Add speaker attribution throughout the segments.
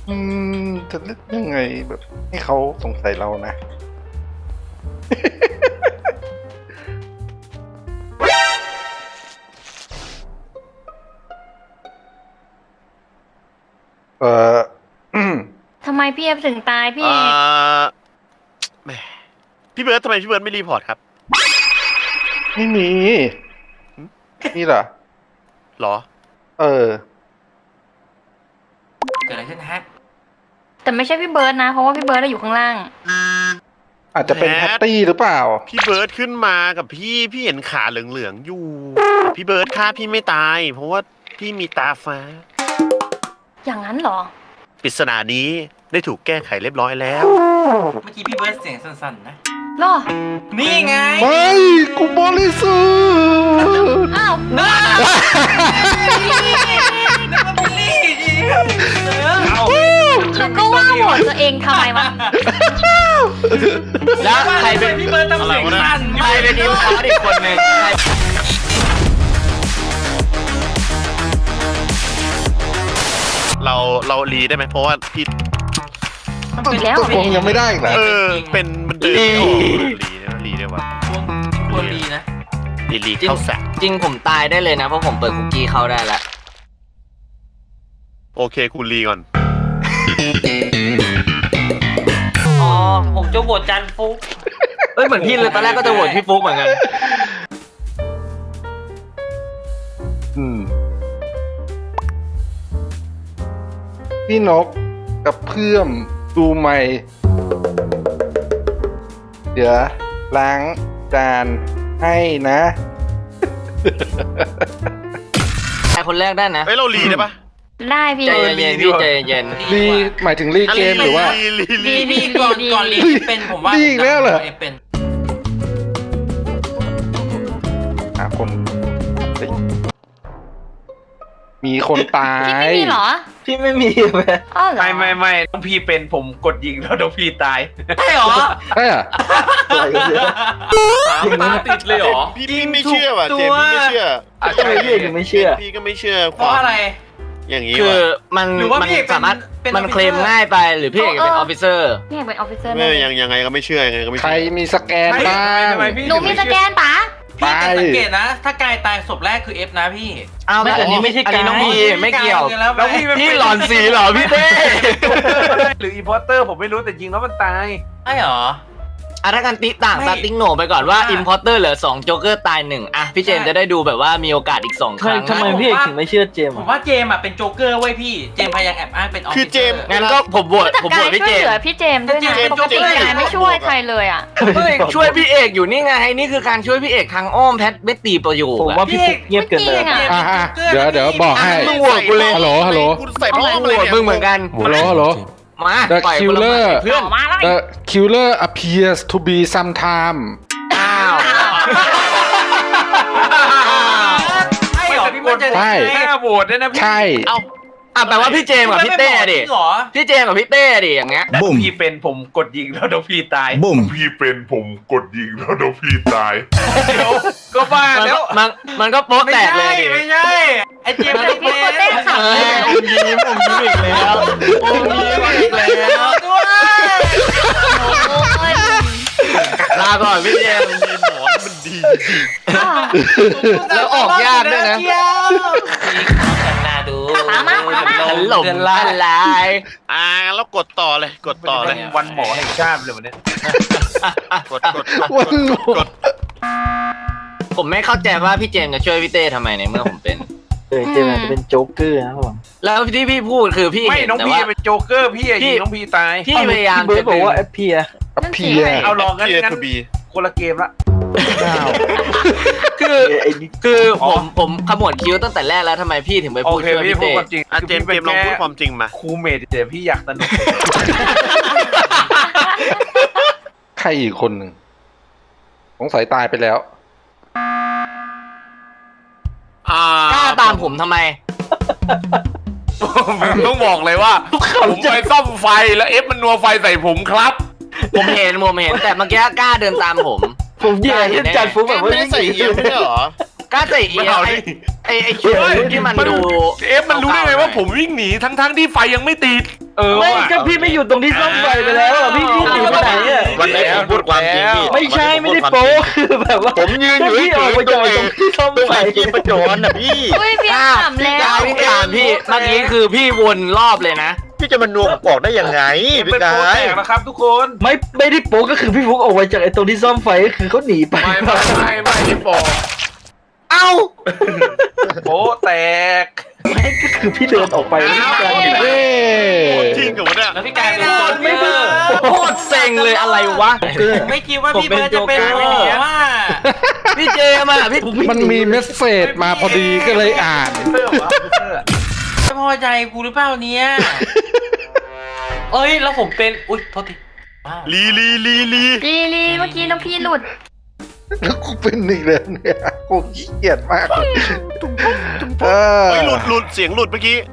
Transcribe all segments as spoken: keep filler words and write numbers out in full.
Speaker 1: อืมจะเล่นยังไงแบบให้เขาสงสัยเรานะ เออ
Speaker 2: ทำไมพี่เอฟถึงตายพี่
Speaker 3: เอ่
Speaker 2: เอก
Speaker 3: อแหมพี่เบิร์ดทำไมพี่เบิร์ดไม่รีพอร์ตครับ
Speaker 1: ไม่มี นี่เหรอ
Speaker 3: หรอ
Speaker 1: เออ
Speaker 4: เกิดอะไรขึ้นฮะ
Speaker 2: แต่ไม่ใช่พี่เบิร์ดนะ เพราะว่าพี่เบิร์ดอยู่ข้างล่าง
Speaker 1: อาจจะเป็น
Speaker 3: แพ
Speaker 1: แพ
Speaker 3: ท
Speaker 1: ตตี้หรือเปล่า
Speaker 3: พี่เบิร์ดขึ้นมากับพี่พี่เห็นขาเหลืองๆอยู่พี่เบิร์ดฆ่าพี่ไม่ตาย เพราะว่าพี่มีตาฟ้า
Speaker 2: อย่างนั้นเหรอ
Speaker 3: ปริศนานี้ได้ถูกแก้ไขเรียบร้อยแล้ว
Speaker 4: เมื่อกี้พี่เบิร์ดเสียงสั้นๆนะ
Speaker 2: เหรอ
Speaker 4: นี่ไง
Speaker 1: ไม่ กูบริสุทธิ์
Speaker 2: อ้าว
Speaker 4: น้าน้าบิลลี่เอา
Speaker 2: แล้วก็ว่าโหวตตัวเองทำไมวะ
Speaker 5: แล้วใครเป็น
Speaker 4: พี่เบิร์ดทำเสียงสั้น
Speaker 5: ใครเป็นทีมคอร์สอีกคนหนึ่งใคร
Speaker 3: เราเรารีได้ไหมเพราะว่าพี่
Speaker 2: อีกแล้ว
Speaker 1: ตกลงยังไม่ได้อีกเหรอ
Speaker 3: เออเป็นมันเดินไม่ออกรีได้รีได้วะ
Speaker 4: ควรดีนะ
Speaker 3: รีรีเข้าแสก
Speaker 5: จริงผมตายได้เลยนะเพราะผมเปิดคุกกี้เข้าได้แล้ว
Speaker 3: โอเคคุณรีก่อน
Speaker 4: อ๋อผมจะโหวตจันฟุก
Speaker 5: เอ้ยเหมือนพี่เลยตอนแรกก็จะโหวตพี่ฟุกเหมือนกัน
Speaker 1: อืม พี่นกกับเพื่อมดูใหม่ เดี๋ยวล้างจานให้นะ
Speaker 5: ใครคนแรกได้นะ
Speaker 3: เอ้ยเรารีได้ปะ
Speaker 2: ได้พี่
Speaker 5: ใจเย็นๆพี่ใจเย็น
Speaker 1: รีหมายถึงรีเกมหรือว่า
Speaker 3: รีรีรี
Speaker 2: ดีดี
Speaker 4: นี่ก่อนก่อนลีเป็นผมว่า
Speaker 1: ดีอีกแล้วเหรอ
Speaker 4: เป็น
Speaker 1: หาคนเฮ้ยมีคนตา
Speaker 2: พี่
Speaker 1: ย
Speaker 2: ไม่มีเหรอ
Speaker 5: พี่ไม่มีไหม
Speaker 2: อ้าวเหรอ
Speaker 6: ไม่ไม่ไม่น้องพี่เป็นผมกดยิงแล้วน้องพี่ตาย
Speaker 4: ใช่เหรอ
Speaker 1: ใช่เหรอ
Speaker 6: สามตาติดเลยเหรอ
Speaker 3: พี่พี่ไม่เชื่อว่ะเจมส์พี่ไม่เชื่อ
Speaker 6: อาจจะไม่เรียกไม่เชื่อ
Speaker 3: พี่ก็ไม่เชื่อ
Speaker 4: เพราะอะไร
Speaker 3: อย่างนี้
Speaker 5: คือ
Speaker 3: ว่ะ
Speaker 5: มัน
Speaker 4: หรือว่า
Speaker 5: มัน
Speaker 4: พี่เอกเป็น
Speaker 5: สามารถ
Speaker 4: เป็น
Speaker 5: มัน
Speaker 4: officer
Speaker 5: เคลมง่ายไปหรือพี่เอกเป็นออฟฟิเซอร์
Speaker 2: พี่เอกเป็นออฟฟิเซอร์
Speaker 3: ไม่
Speaker 2: เลย
Speaker 3: ยังยังไงก็ไม่เชื่อยังไงก็ไม่
Speaker 1: ใคร
Speaker 3: เชื่อ
Speaker 1: มีสแกนบ้าง
Speaker 6: ทำไมพี่
Speaker 2: หนูมีสแกนปะ
Speaker 4: พี่แต่
Speaker 1: ไป
Speaker 4: สังเกตนะ ถ้ากายตายศพแรกคือเอฟนะพี่
Speaker 5: อ้าวอันนี้ไม่ใช่อันนี้น้องพีไม่เกี่ยว
Speaker 4: แล้วพี่
Speaker 5: พี่หลอนสีเหรอพี่เต้
Speaker 6: หรืออีพอร์เตอร์ผมไม่รู้แต่ยิงแล้วมันตาย
Speaker 4: ใช่เหรอ
Speaker 5: อ่ะถ้ากันติต่าง
Speaker 4: ไม่
Speaker 5: ตัดติ้งโหนไปก่อนว่า
Speaker 4: ว่า
Speaker 5: อิมพอร์เตอร์เหลือสองโจ๊กเกอร์ตายหนึ่งอ่ะพี่เจมส์จะได้ดูแบบว่ามีโอกาสอีกสองครั้ง
Speaker 4: ทำไมพี่เอกถึงไม่เชื่อเจมผมว่าเจมอ่ะเป็นโจ๊กเกอร์เว้ยพี่ เจมพยายามแอบอ้างเป็นออฟฟิ
Speaker 3: คือ
Speaker 4: เซ
Speaker 3: เจ
Speaker 4: อ
Speaker 3: ม
Speaker 4: ร์
Speaker 3: ส์
Speaker 5: งั้นก็ผมโหวต
Speaker 2: แต่
Speaker 5: ผม
Speaker 2: กา
Speaker 5: โหวต
Speaker 2: ย
Speaker 5: พี่
Speaker 2: ช่
Speaker 5: เจ
Speaker 2: วย
Speaker 5: ม
Speaker 2: เหลือ
Speaker 5: ส์
Speaker 2: พี่เจมส์ด้วยนะ
Speaker 4: เจมส์
Speaker 2: ปกติ
Speaker 4: ช่วย
Speaker 2: กายไม่ช่วยใครเลยอ่ะ
Speaker 5: เฮ้ยช่วยพี่เอกอยู่นี่ไงนี่คือการช่วยพี่เอกทางอ้อมแพทเบตตีประโยค
Speaker 4: ผม
Speaker 5: อะ
Speaker 4: ว่าพี่ฟุกเงียบเกินไป
Speaker 2: อ่ะ
Speaker 1: อ่ะอ่ะเดี๋ยวเดี๋ยวบอกให้
Speaker 5: มึงโหวตกูเลย
Speaker 1: ฮัลโหลฮัลโหล
Speaker 3: คุณใส่
Speaker 5: เอา
Speaker 3: พ่อ
Speaker 5: โหวตมึงเหมือนกัน
Speaker 1: ฮัลโหลฮัลโหล
Speaker 5: มา
Speaker 1: The
Speaker 5: ปล่อยคนละ
Speaker 1: killer
Speaker 5: เพื่อน
Speaker 2: มาแล้ว
Speaker 1: The killer appears to be sometime
Speaker 5: อ้าว
Speaker 4: ใช่เหรอพี่มันจะ
Speaker 1: ใช่
Speaker 6: แค่โหวตเนี่ยนะพี่
Speaker 1: ใช่
Speaker 5: เอ้าอ่ะแปลว่าพี่เจมส์กับพี่เต้ดิ
Speaker 4: เหรอ
Speaker 5: พี่เจมส์กับพี่เต้ดิอย่างเงี้ย
Speaker 6: น้องพี่เป็นผมกดยิงแล้วน้องพี่ตาย
Speaker 7: บุ้ม
Speaker 8: พี่เป็นผมกดยิงแล้วน้องพี่ตาย
Speaker 6: เดี๋ยวก็บ้า
Speaker 5: มัน
Speaker 6: แล้ว
Speaker 5: มันมันก็โป๊ะ
Speaker 4: ไม่
Speaker 5: แตกเล
Speaker 4: ใช่
Speaker 5: ยดิ
Speaker 4: ไม่ใช่ไอเจมส์
Speaker 2: แต่พี่โคเต้ขำ
Speaker 5: เอ
Speaker 2: เลย
Speaker 5: อผมยิ้มผมยิ้มอีกแล้วผมยิ้มอีกแล้ว
Speaker 4: ด้วย
Speaker 5: ลาก่อนพี่เจมส์
Speaker 3: มีหมอนมันดี
Speaker 2: อ้าว
Speaker 5: แล้วออกยากด้วยนะ
Speaker 4: พี่ขอกันนาดู
Speaker 2: มามามามา
Speaker 5: ถล่มทลาย
Speaker 3: อ่างั้นเรากดต่อเลยกดต่อเลย
Speaker 6: วันหมอแห่งชาติเลยวันนี้
Speaker 3: กดกดกด
Speaker 1: วันหมอ
Speaker 3: กด
Speaker 5: ผมไม่เข้าใจว่าพี่เจมส์จะช่วยพี่เต้ทำไมในเมื่อผมเป็น
Speaker 9: เออเจมส์อาจจะเป็นโจ๊กเกอร์นะครับผม
Speaker 5: แล้วที่พี่พูดคือพี่
Speaker 6: ไม่
Speaker 5: เห็น
Speaker 6: น้อง
Speaker 5: แต่
Speaker 6: พี่
Speaker 5: ว่า
Speaker 6: เป็นโจ๊กเกอร์พี่อะ
Speaker 5: พี่
Speaker 6: ยิงน้องพี่ตาย
Speaker 5: พี่พยายาม
Speaker 9: เบิร์
Speaker 5: จะ
Speaker 9: ดบอกว่าแอปเพีย
Speaker 2: นั่นสิ
Speaker 1: appear
Speaker 6: เอาลองกัน
Speaker 3: เทีย
Speaker 6: งั้น
Speaker 3: ทูบี
Speaker 6: คนละเกมละ
Speaker 5: คือ
Speaker 9: ไอ้นี่
Speaker 5: คือผมผมขมวดคิ้วตั้งแต่แรกแล้วทำไมพี่ถึงไป
Speaker 6: โอ
Speaker 5: พูด
Speaker 6: เค
Speaker 5: ช่วย
Speaker 6: พี่
Speaker 5: พี่
Speaker 6: พูด
Speaker 5: เต้
Speaker 6: ความจริง
Speaker 3: อ่ะเจมส์เจมส์ลองพูดความจริงมา
Speaker 6: ครูเมดเดี๋ยวพี่อยากสนุก
Speaker 1: ใครอีกคนหนึ่งสงสัยตายไปแล้ว
Speaker 3: อ่าก
Speaker 5: ล้าตามผมทำไม
Speaker 6: ผมต้องบอกเลยว่าผมไปซ่อมไฟแล้วเอฟมันนัวไฟใส่ผมครับ
Speaker 5: ผมเห็นผมเห็นแต่เมื่อกี้กล้าเดินตามผม
Speaker 9: ผมเหยียดเล่นจัดฟุกแบบว่า
Speaker 3: ไม่ได้ใส่เอียมไม่ใช่เหรอ
Speaker 5: กล้าใส่เอียไอไอไอคิวที่มันดู
Speaker 6: เอฟมันรู้ได้ไงว่าผมวิ่งหนีทั้งๆที่ไฟยังไม่ติด
Speaker 5: เออ
Speaker 9: ไม่ก็พี่ไม่อยู่ตรงที่ซ่อมไฟไปแล้วอะพี่พี่หนีไปไหนอะ
Speaker 7: วันนี้ผมพูดความจริงพี่
Speaker 9: ไม่ใช่ไม่ได้โป๊คือแบบว่า
Speaker 7: ผมยืนอยู่
Speaker 9: พี่ออกไปจากตรงที่ซ่อม
Speaker 7: ตัว
Speaker 9: ไฟ
Speaker 7: ไอ้เกมประจรน่ะพี่
Speaker 2: อุ้ยพี่
Speaker 5: กล้า
Speaker 2: ถามแล้ว
Speaker 5: พี่กล้าพี่เมื่อกี้คือพี่วนรอบเลยนะ
Speaker 7: พี่จะมานัวผมออกได้ยังไงพี่
Speaker 6: เป็น
Speaker 7: กา
Speaker 6: โปร
Speaker 7: ย
Speaker 6: แตกนะครับทุกคน
Speaker 9: ไม่ไม่ได้โป๊ก็คือพี่ฟุกออกไปจากไอ้ตรงที่ซ่อมไฟก็คือเขาหนีไป
Speaker 6: ไม่ไม่ไม่ไม่ได้บอก
Speaker 5: เอ้า
Speaker 6: โปรแตก
Speaker 9: ไม่ก็คือพี่เดินออกไปแล้วพี่กลายเป็น
Speaker 1: เย้
Speaker 3: จริงกับวะเนี่ย
Speaker 4: แล้วพี่กายเป็นโจ๊ก
Speaker 5: ไม่
Speaker 4: เก
Speaker 5: ไม่
Speaker 4: อร์
Speaker 5: โคตรเซ็งเลยอะไรวะ
Speaker 4: ไม่คิดว่าพี่เบิร์ดจะเป็นโจ๊กว่า
Speaker 5: พี่เจมอ่ะพี่
Speaker 1: มันมีเมสเซจมาพอดีก็เลยอ่าน
Speaker 4: ไม่พอใจกูหรือเปล่าเนี่ยเอ้ยแล้วผมเป็นอุ้ยโทษทีว้าว
Speaker 3: ลีลีลีลี
Speaker 2: ลีลีเมื่อกี้น้องพี่หลุด
Speaker 1: แล้วกูเป็นอีกแล้วเนี่ยกูขี้เกียจมากเออ
Speaker 3: เฮ้ยหลุดหลุดเสียงหลุดเมื่อกี้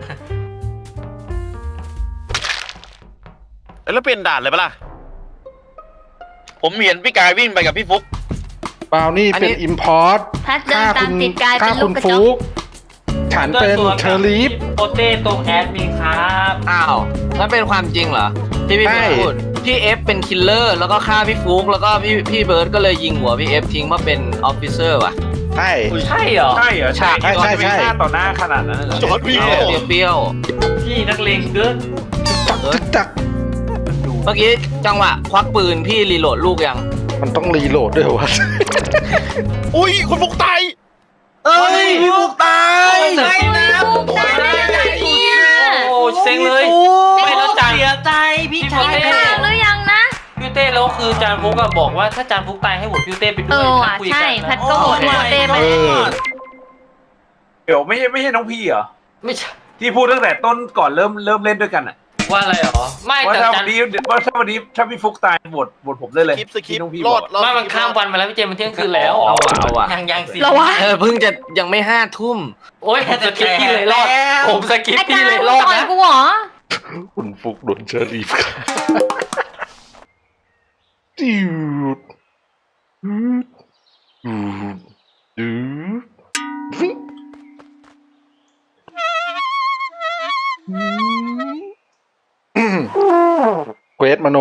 Speaker 3: เอ้ยแล้วเป็นด่านเลยปะล่ะ
Speaker 7: ผมเห็นพี่กายวิ่งไปกับพี่ฟุก
Speaker 1: เปล่านี่เป็นอิมพอร์ต
Speaker 2: แพทเดินตามติดกาย
Speaker 1: ฆ่า
Speaker 2: เป็นลู
Speaker 1: คุ
Speaker 2: ก
Speaker 1: ณ
Speaker 2: กระจ
Speaker 1: ฟุ
Speaker 2: ก
Speaker 1: กฉันเป็นเชอรีฟ
Speaker 4: โปเต้ตรงแอดมินครับ
Speaker 5: อ้าวนั่นเป็นความจริงเหรอที่พี่
Speaker 1: ใช่
Speaker 5: พูดพี่เอฟเป็นคิลเลอร์แล้วก็ฆ่าพี่ฟุกแล้วก็พี่พี่เบิร์ดก็เลยยิงหัวพี่เอฟทิ้งมาเป็นออฟฟิเซอร์ว่ะ
Speaker 1: ใช่
Speaker 4: ใช่เหรอ
Speaker 6: ใช่เหรอฉาก
Speaker 1: ใช่ใช่ใช่
Speaker 6: ที่ต่อหน้าขนาดนั้นเหรอ
Speaker 3: จอร์ดวิ่ง
Speaker 5: เปรี้ยวเปรี้ยว
Speaker 4: พี่นักเลงเกิน
Speaker 1: จักจัก
Speaker 5: เมื่อกี้จังหวะควักปืนพี่รีโหลดลูกยัง
Speaker 1: มันต้องรีโหลดด้วยวะ
Speaker 3: อุ้ยคนฟุกตาย
Speaker 5: เอ้ยพี่ฟุกตาย
Speaker 4: ไม่นะ
Speaker 2: ถูกตายได้ไงเนี่ย
Speaker 4: โอ้เซ็งเลยไม่แล้วจาน
Speaker 10: เสียใจพี่ชา
Speaker 2: กิ
Speaker 10: ย
Speaker 2: นข้าวหรือยังนะ
Speaker 4: พี่เต้แล้วคือจานฟุกอะบอกว่าถ้าจานฟุกตายให้โหวตพี่เต้ไปด้
Speaker 2: เอ
Speaker 4: วย
Speaker 2: อว่ะ
Speaker 4: คุย
Speaker 2: ใช่
Speaker 4: กัน
Speaker 2: แพ
Speaker 4: นะ
Speaker 2: ทก็โหวตโหวตเต้ไป
Speaker 1: เออ
Speaker 6: เดี๋ยวไม่ใช่ไม่ใช่น้องพี่เหรอ
Speaker 4: ไม่ใช่
Speaker 6: ที่พูดตั้งแต่ต้นก่อนเริ่มเริ่มเล่นด้วยกันอ่ะ
Speaker 4: ว่าอะไรหรอไม่
Speaker 6: ว่า
Speaker 4: แต่
Speaker 6: ถ้า
Speaker 4: จา
Speaker 6: วัน นนี้ว่าถ้าวันนี้ถ้าพี่ฟุกตายบทบทผมได้เลย
Speaker 3: คลิปสคริป
Speaker 6: ที่น้องพี่
Speaker 3: ร
Speaker 6: บ
Speaker 3: อ
Speaker 6: อ
Speaker 3: ด
Speaker 6: ก
Speaker 3: รอด
Speaker 4: ไม่มันข้ามวันมาแล้วพี่เจมส์มันเที่ยงคืนแล้ว
Speaker 5: เอาอะเอาอะ
Speaker 4: ยังยังสิ
Speaker 2: เหรอวะ
Speaker 5: เออเพิ่งจะยังไม่ห้าทุ่ม
Speaker 4: โอ้ยสกิปพี่เลยรอดผมสกิป
Speaker 2: ไอ้
Speaker 4: พี่
Speaker 2: กาย
Speaker 4: เลย
Speaker 2: มึง
Speaker 4: รอด
Speaker 2: ต่อย
Speaker 4: นะ
Speaker 2: กูเหรอ
Speaker 1: คุณฟุกโดนเชอรีฟดิวดดูดดูดฟิงอืมเควสมโน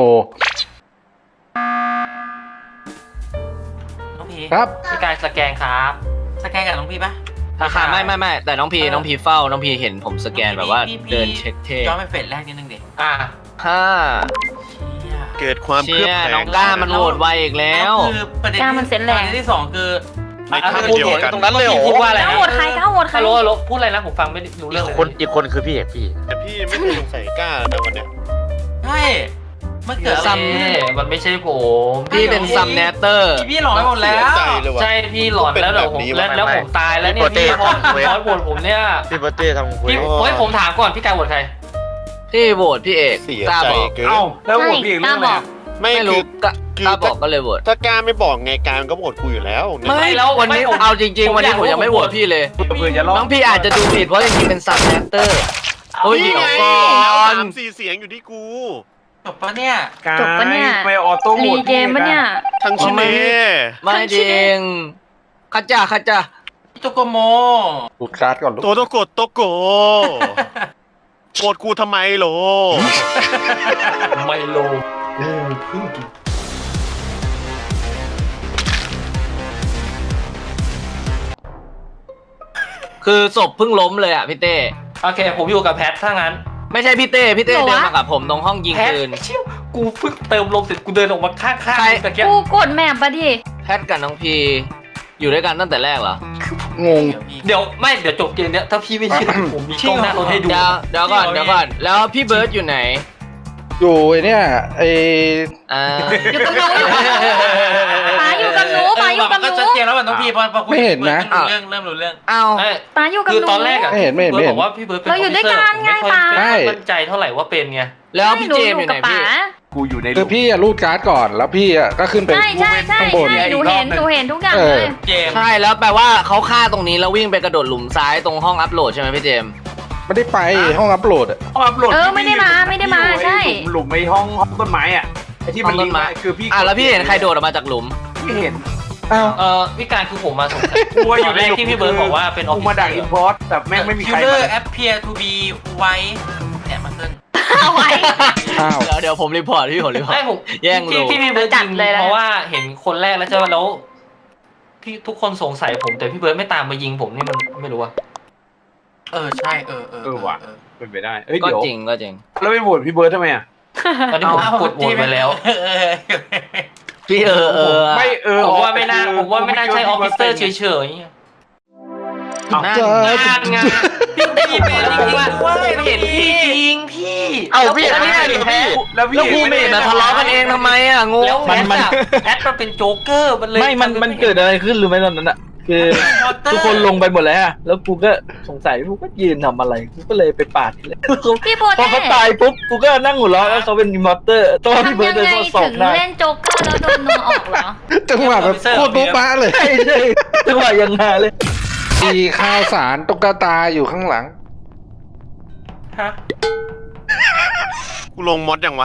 Speaker 4: น้องพี
Speaker 1: ครับ
Speaker 4: พี่กายสแกนครับ
Speaker 10: สแกนกับน้องพี่ปะ
Speaker 5: ราคาไม่ไม่ไม่แต่น้องพีน้องพีเฝ้าน้องพีเห็นผมสแกนแบบว่า
Speaker 10: พี่พี่
Speaker 5: เดินเช็คเท่
Speaker 10: ย้อนไปเฟสแรกนิดนึงดิ
Speaker 4: อ่า
Speaker 5: ห้า
Speaker 10: เชี่ย
Speaker 3: เกิดความเครื
Speaker 5: เชี่
Speaker 3: อบ
Speaker 5: ย
Speaker 3: แคล
Speaker 5: น้อง งก้ามันโหวตไวอีกแล้ว
Speaker 10: คือประเด็น
Speaker 2: กล้ามันเซ็นแรง
Speaker 10: ประเด็นที่สองคือ
Speaker 3: ในภาพ
Speaker 4: พูด
Speaker 3: เดียวกัน
Speaker 7: ตรงนั้นเลยเหรอ
Speaker 4: พูดว่าอะไร
Speaker 2: ก้า
Speaker 4: นะ
Speaker 2: โหวตใครก้าโหวตใคร
Speaker 4: ฮัลโหลฮัลโหลพูดอะไรนะผมฟังไม่รู้เรื่องเลย
Speaker 7: คนอีกคนคือพี่เอกพี่
Speaker 3: แต่พี่ไม่เคยสงสัยกล้านะวันเนี้ย
Speaker 10: ใช่เมื่อเกิดอะไร
Speaker 5: ซัม
Speaker 4: เอ๊ะมันไม่ใใช่ผม
Speaker 5: พี่เป็นซัมเนเตอร์
Speaker 10: พี่พี่หลอนไปหมดแล้ว
Speaker 3: เสียใจเลยว่ะ
Speaker 4: ใช่พี่หลอนแล้วเดี๋ยวผม
Speaker 3: เป็นแบบนี้วะ
Speaker 4: แล้วแล้วผมตายแล้วเนี่ย
Speaker 7: พี่
Speaker 4: พี่
Speaker 7: โป
Speaker 4: พอ
Speaker 7: เต้
Speaker 4: พอโหวตผมเนี่ย
Speaker 7: พี่เบอร์เต้ทำคุย
Speaker 4: พี่เฮ้ยผมถามก่อนพี่กายโหวตใคร
Speaker 5: พี่โหวตพี่เอก
Speaker 3: เสีย
Speaker 5: กล้า
Speaker 3: ใจ
Speaker 5: บอก
Speaker 3: เกิน
Speaker 6: เอ้าแล้วโหวต
Speaker 2: ใช่
Speaker 6: พี่เอก
Speaker 2: กล้า
Speaker 6: เรื่องอะไร
Speaker 2: บอก
Speaker 6: อะ
Speaker 3: ไม่
Speaker 5: ไม่
Speaker 3: คื
Speaker 5: รู้
Speaker 3: อก
Speaker 5: ล้า
Speaker 3: คื
Speaker 5: กล้าบอกก็เลยโหวต
Speaker 3: ถ้ากล้าไม่บอกไงการก็โหวตกูอยู่แล้ว
Speaker 5: ไม่แล้ววันนี้เอาจริง ๆ วันนี้ผมยังไม่โหวตพี่เลย
Speaker 6: เผื่อจะรอด
Speaker 5: น้องพี่อาจจะดูผิดเพราะจริงๆเป็นซัมเนเตอร์โอ้ย
Speaker 3: นี่
Speaker 5: เดี๋ยว
Speaker 3: ไง
Speaker 5: ก่อน
Speaker 3: สามสี่เสียงอยู่ที่กู
Speaker 10: จบปะเนี่ย
Speaker 6: กาย
Speaker 2: จบปะเนี่ย
Speaker 6: ไม่ออโต้โหว
Speaker 2: รี
Speaker 6: ต
Speaker 2: เกมปะเนี่ย
Speaker 3: ทั้งชิเน่
Speaker 5: ไม่จริงข้าจ้าข้าจ้า
Speaker 10: พี่โจโกโม
Speaker 1: ดูดการ์ดก่อนลูก
Speaker 3: โตโตโกดโตโกโกรธกูทำไมโหล
Speaker 4: ไมโล
Speaker 5: คือศพเพิ่งล้มเลยอ่ะพี่เต้
Speaker 4: โอเคผมอยู่กับแพทถ้างั้น
Speaker 5: ไม่ใช่พี่เต้พี่เต้
Speaker 2: เหรอวะ
Speaker 5: เดินมากับผมตรงห้องยิง
Speaker 4: แพท
Speaker 5: ปืน
Speaker 4: เชี่ยวกูเพิ่งเติมลมเสร็จกูเดินออกมาข้าง
Speaker 5: ใคร
Speaker 4: ๆตะเกียบ
Speaker 2: กูกดแมปปะดิ
Speaker 5: แพทกับน้องพีอยู่ด้วยกันตั้งแต่แรกเหรอ
Speaker 1: งง
Speaker 4: เดี๋ยวไม่เดี๋ยวจบเกมเนี้ยถ้าพี่ไม่เชื่อผมมีกล้องหน้ารถให้ดู
Speaker 5: เดี๋ยวเดี๋ยวก่อนเดี๋ยวก่อนแล้วพี่เบิร์ดอยู่ไหน
Speaker 1: อยู่ไอเนี่ยไอ
Speaker 5: อ่า
Speaker 2: อยู่กับหนูอยู่กับหนูป๋าอยู่กับหนูป๋าอยู่กับห
Speaker 10: ก็
Speaker 2: นู
Speaker 10: ชัดเจนแล้วว่าน้องพี่พอพอคุย
Speaker 1: ไม่เห็นนะ
Speaker 10: เริ่มรู้เรื่องเริ่มรู้เรื่อง
Speaker 5: อ้าว
Speaker 4: เอ้ย
Speaker 2: ป๋าอยู่กับ
Speaker 4: คือ
Speaker 2: หนู
Speaker 4: ตอนแรกอะ
Speaker 1: ไม่เห็นไม่เห็นไม่เห็น
Speaker 4: บอกว่าพี่เบิร์ดเป็น
Speaker 2: เราอยู่ด้วยกันไง
Speaker 4: ออฟฟิเซอร์ผม
Speaker 2: ป๋า
Speaker 4: ไม่ค่อยมั่นใจเท่าไหร่ว่าเป็นไง
Speaker 5: แล้วพี่เจมส์อยู่ไหน
Speaker 2: กับ
Speaker 5: พี่
Speaker 2: ป๋า
Speaker 6: กูอยู่ใน
Speaker 1: คือพี่อะรูดการ์ดก่อนแล้วพี่อะก็ขึ้นไป
Speaker 2: ใช่ใช่ใช่
Speaker 1: ข้างบน
Speaker 2: ใช่หนูเห็นหนูเห็นทุกอย่าง
Speaker 1: เอ
Speaker 2: เล
Speaker 1: อ
Speaker 2: ย
Speaker 10: เจมส์
Speaker 5: ใช่แล้วแปลว่าเขาฆ่าตรงนี้แล้ววิ่งไปกระโดดหลุมซ้ายตรงห้องอัพโหลดใช่ไหมพี่เจมส์
Speaker 1: ไม่ได้ไปห้องอัพโหลดอะ
Speaker 6: ห้องอัพโหลด
Speaker 2: เออไม่ได้มาไม่ได้มาใช่
Speaker 6: หลุมหลุมไอ้ห้องห้องต้นไม้อ่ะไอ้ที่มันลิงก์ไว้คือพี่
Speaker 5: อ่ะแล้วพี่เห็นใครโดดออกมาจากหลุม
Speaker 6: พี่เห็น
Speaker 9: อ้าว
Speaker 4: เออพี่การคือผมมาสงสัยตอนแรกที่พี่เบิร์ดบอกว่าเป็นออฟ
Speaker 6: กู
Speaker 4: ฟิ
Speaker 6: มา
Speaker 4: เซ
Speaker 6: ดั
Speaker 4: อก
Speaker 6: อิน
Speaker 4: ร์
Speaker 6: พอร์ตแต่แม่งไม่มี
Speaker 10: คิ
Speaker 6: ใค
Speaker 10: ล
Speaker 6: ร
Speaker 10: เลอ
Speaker 6: มา
Speaker 10: ร์แอปเพียร์ทูบีไว้เนี่ยมาขึ้น
Speaker 2: เอาไว้
Speaker 9: อ้าว
Speaker 5: เดี๋ยวเดี๋ยวผมรีพอร์ตพี่ผมรีพอร์
Speaker 4: ไม่
Speaker 5: ต
Speaker 4: ผม
Speaker 5: แย่ง
Speaker 4: ที่
Speaker 5: โล
Speaker 4: ที่พี่เบิร์ด
Speaker 2: จั
Speaker 4: ยิ
Speaker 2: ด
Speaker 4: ง
Speaker 2: เลยนะ
Speaker 4: เพราะว่าเห็นคนแรกแล้วใช่ไหมแล้วพี่ทุกคนสงสัยผมแต่พี่เบิร์ดไม่ตามมายิงผมนี่มันไม่รู้อะ
Speaker 10: เออใช่เออเออ
Speaker 6: เออว่ะ
Speaker 10: เออ
Speaker 6: เป็นไปได้เอ้ย
Speaker 5: ก็
Speaker 6: เดี๋ยว
Speaker 5: จริงก็จริง
Speaker 6: แล้วไม่โหวตพี่เบิร์ดทำไมอ่ะ
Speaker 4: ตอนนี้ผมกดโหวตไปแล้ว
Speaker 10: เออเออ
Speaker 5: พี่เออเออ
Speaker 6: ไม่เออ
Speaker 4: ผมว่าไม่น่าผมว่าไม่น่าใช่ออฟฟิเซอร์เฉยๆ
Speaker 5: นั่น
Speaker 1: เจอ
Speaker 4: งานงานพี่ตีเป็นจริงๆว่าเห็นพี่จริงพี่
Speaker 5: เอาพี่อันนี้ดิแพ้
Speaker 6: แล้วพี่
Speaker 5: แล้วพี่ไม่มาทะเลาะกันเองทำไมอ่ะงง
Speaker 4: แล้ว
Speaker 9: มันมัน
Speaker 4: แพทมันเป็นโจ๊กเกอร์มันเลย
Speaker 9: ไม่มันมันเกิดอะไรขึ้นรู้ไหมตอนนั้นอะคือทุกคนลงไปหมดแล้วอะแล้วกูก็สงสัยกูก็ยืนทำอะไรกูก็เลยไปปาดเลย
Speaker 2: พี่โบ
Speaker 9: พอ
Speaker 2: เต้
Speaker 9: เขาตายปุ๊บกูก็นั่งหัวเราะแล้วเขาเป็นอิมมอร์เตอร์ตอนที่
Speaker 2: ทำ
Speaker 9: เบิร์
Speaker 2: ยั
Speaker 9: ด
Speaker 2: ง
Speaker 9: เดิน
Speaker 2: ไง
Speaker 9: เข้าสอ
Speaker 2: ถึ
Speaker 9: บ
Speaker 2: ง
Speaker 9: ได้
Speaker 2: เล่นโจ๊กเกอร์แล้วโดนนัวออกเหรอ
Speaker 1: จังหวะแบบโคตรโบ๊ะบ้าเลย
Speaker 9: ใช่ใช่จังหวะยังหาเลย
Speaker 1: มีข้าวสารตุ๊กตาอยู่ข้างหลัง
Speaker 4: ฮะ
Speaker 3: กูลงมอดยังวะ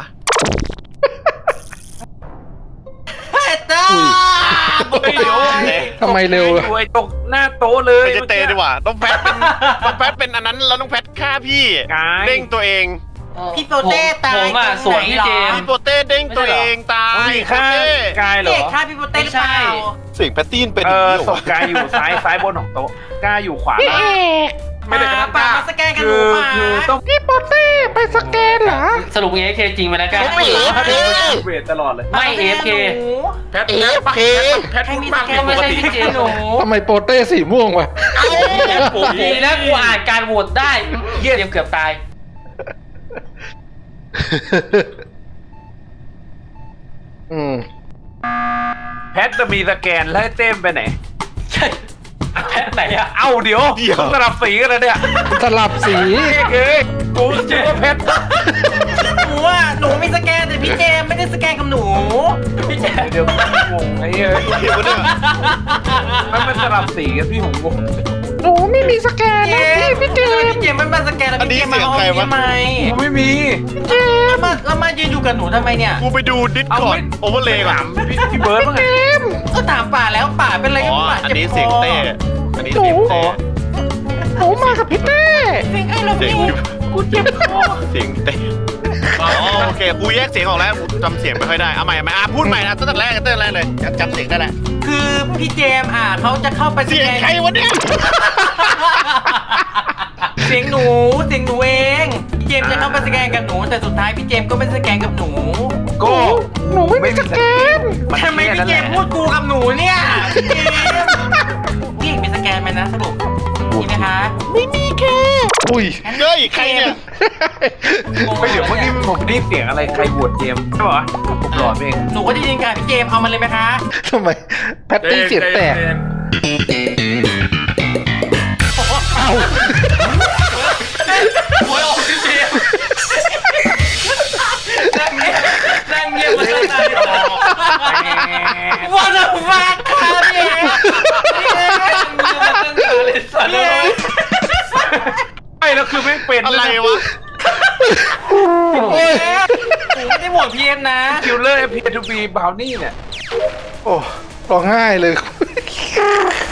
Speaker 10: จ้า
Speaker 6: เดี๋ยว
Speaker 1: ทำไมเร็วอะ
Speaker 6: อยู่ไอ้ตกหน้าโต๊ะเลย
Speaker 3: ไม่ใช่เตดีกว่าต้องแพทเป็นต้องแพทเป็นอันนั้นแล้วต้องแพทฆ่าพี่
Speaker 6: กาย
Speaker 3: เด้งตัวเอง
Speaker 10: พี่โปเต้ตาย
Speaker 4: ผมอ่ะ
Speaker 10: ตรงไหน
Speaker 4: สวนพี่เจม
Speaker 3: พี่โปเต้เด้งตัวเองตา
Speaker 6: ต้อง
Speaker 3: ย
Speaker 6: มีค่า
Speaker 3: โปเต้
Speaker 6: กายเหร
Speaker 10: เด็
Speaker 6: อก
Speaker 10: ฆ่าพี่โปเต้หรือเปล่า
Speaker 3: เสียงแพตตี้นเป็น
Speaker 6: เออ
Speaker 3: อย่างนี้เหร
Speaker 6: ศ
Speaker 3: อ
Speaker 6: พ
Speaker 3: วะ
Speaker 6: กายอยู่ซ้ายซ้ายบนของโต๊ะกายอยู่ขวาล่างไม่
Speaker 10: ป่า
Speaker 6: ได้กระ
Speaker 10: ป่า
Speaker 6: ทั่ง
Speaker 10: มาสแกนกันห
Speaker 6: คื
Speaker 10: นู
Speaker 6: อ
Speaker 10: ป่า
Speaker 6: คือต้อง
Speaker 1: พี่โปเต้ไปสแกนเหรอ
Speaker 4: สรุปเอฟเคจริงไหมนะกัน
Speaker 5: ไม่เอฟเค
Speaker 6: เวทตลอดเลย
Speaker 4: ไม่เอฟเค
Speaker 6: แพท
Speaker 5: เอฟเค
Speaker 6: แพท
Speaker 10: ใคร
Speaker 6: พูด
Speaker 10: มี
Speaker 6: บ้า
Speaker 10: ส
Speaker 6: ง
Speaker 10: แกน
Speaker 4: ก็ไม่ใช่พี่เจหนู
Speaker 1: ทำไมโปเต้สีม่วงวะ
Speaker 4: ดีนะกูอ่านการโหวตได้เยี่ยมเกือบตาย
Speaker 1: อืม
Speaker 6: แพทจะมีสแกนแล้วให้เต้มไปไหน
Speaker 4: ใช่แพทไหนอะ
Speaker 6: เอ้าเดี๋ยวต้องสลับสีกันเลยเนี่ย
Speaker 1: สลับสี
Speaker 6: เอ้ยกูเจอว่าแพท
Speaker 10: หนูอ่ะหนูมีสแกนแต่พี่เจมไม่ได้สแกนกับหนู
Speaker 4: พี่เจ
Speaker 6: เดี๋ยวงงไอ้เอ้ย
Speaker 3: เห็นปะเนี่ย
Speaker 6: มันเป็นสลับสีกันพี่ผมงง
Speaker 1: หนูไม่มีสแกน
Speaker 10: เจ
Speaker 1: นะ
Speaker 10: ม
Speaker 1: พี่พี่เจ
Speaker 10: ทำไม
Speaker 1: ม
Speaker 10: พี่เจมไม่มาสแกนแล้ว
Speaker 3: อันนี้
Speaker 10: พี่เจมมา
Speaker 3: เสียง
Speaker 10: เอา
Speaker 3: ใครวะ
Speaker 10: ทำไม
Speaker 6: กูไม่มี
Speaker 10: แล้วมาแล้วมายืนอยู่กับหนูทำไมเนี่ย
Speaker 3: กูไปดูดิส
Speaker 6: เอา
Speaker 3: คอร์
Speaker 6: ไม่
Speaker 3: ดโอเวอร์เลย์ก่อน
Speaker 6: ถามพี่พี่เบิร์ดบ้างไง
Speaker 10: ก็ถามป่าแล้วป่าเป็นอะไร
Speaker 3: อ๋
Speaker 10: กั
Speaker 3: อบ
Speaker 10: ป่า
Speaker 3: อัน
Speaker 10: เจ็บ
Speaker 3: นี้
Speaker 10: ค
Speaker 3: เสียง
Speaker 10: อ
Speaker 3: เต้อันนี้เสียงเต้
Speaker 1: หนูมากับพี่เต้
Speaker 10: เสียงไอ้เรา
Speaker 3: เสียง
Speaker 10: พี่กูเจ็บคอ
Speaker 3: เสียงเต้อ๋อโอเคกูแยกเสียงออกแล้วกูจำเสียงไม่ค่อยได้เอาใหม่เอาใหม่อ่ะพูดใหม่นะตั้งแต่แรกตั้งแต่แรกเลยจำเสียงได้แหละ
Speaker 10: คือพี่เจมอ่ะเขาจะเข้าไปส
Speaker 3: เสีย
Speaker 10: แก
Speaker 3: ง
Speaker 10: น
Speaker 3: ใครวะเนี่ย
Speaker 10: เสียงหนูเสียงหนูเองพี่เจมจะเข้าไปสแกนกับหนูแต่สุดท้ายพี่เจมก็ไม่สแกนกับหนู
Speaker 6: ก็
Speaker 1: หนูไม่มีสแกน
Speaker 6: มัน
Speaker 10: ทำไม
Speaker 6: แค่
Speaker 10: พี่
Speaker 6: นั้น
Speaker 10: เจ
Speaker 6: แหละ
Speaker 10: มพูดกูกับหนูเนี่ยพี่เจมพี่มีสแกนไหมนะสรุปมีไหมคะ
Speaker 1: อุ้ย
Speaker 3: เฮ้ยใครเนี่ย
Speaker 6: ไม่เดี๋ยวเมื่อกี้ผมได้ยินเสียงอะไรใครบวชเจมส์ใช่ปะวะผมหลอนเอง
Speaker 10: หนูก็ได้ยินค่ะพี่เจมเอามันเลยไหมคะ
Speaker 1: ทำไมแพตตี้เสียงแตก เอ้า
Speaker 4: โวยออกพี่เจมนั่งเงียบนั่งเงียบมาตั้งนานว่าจะฟังค่ะพี่เอพี่เอนั่งเงียบมาตั้งนานเลยสัตว์เลย
Speaker 6: ไม่แล้วคือไม่เป็น
Speaker 3: อะไรวะ
Speaker 10: หนูไม่ได้โหวตพีเอ็มนะ
Speaker 6: คิลเลอร์เอพีทูบีบาวนี่เนี่ย
Speaker 1: โอ้ร้องไห้เลย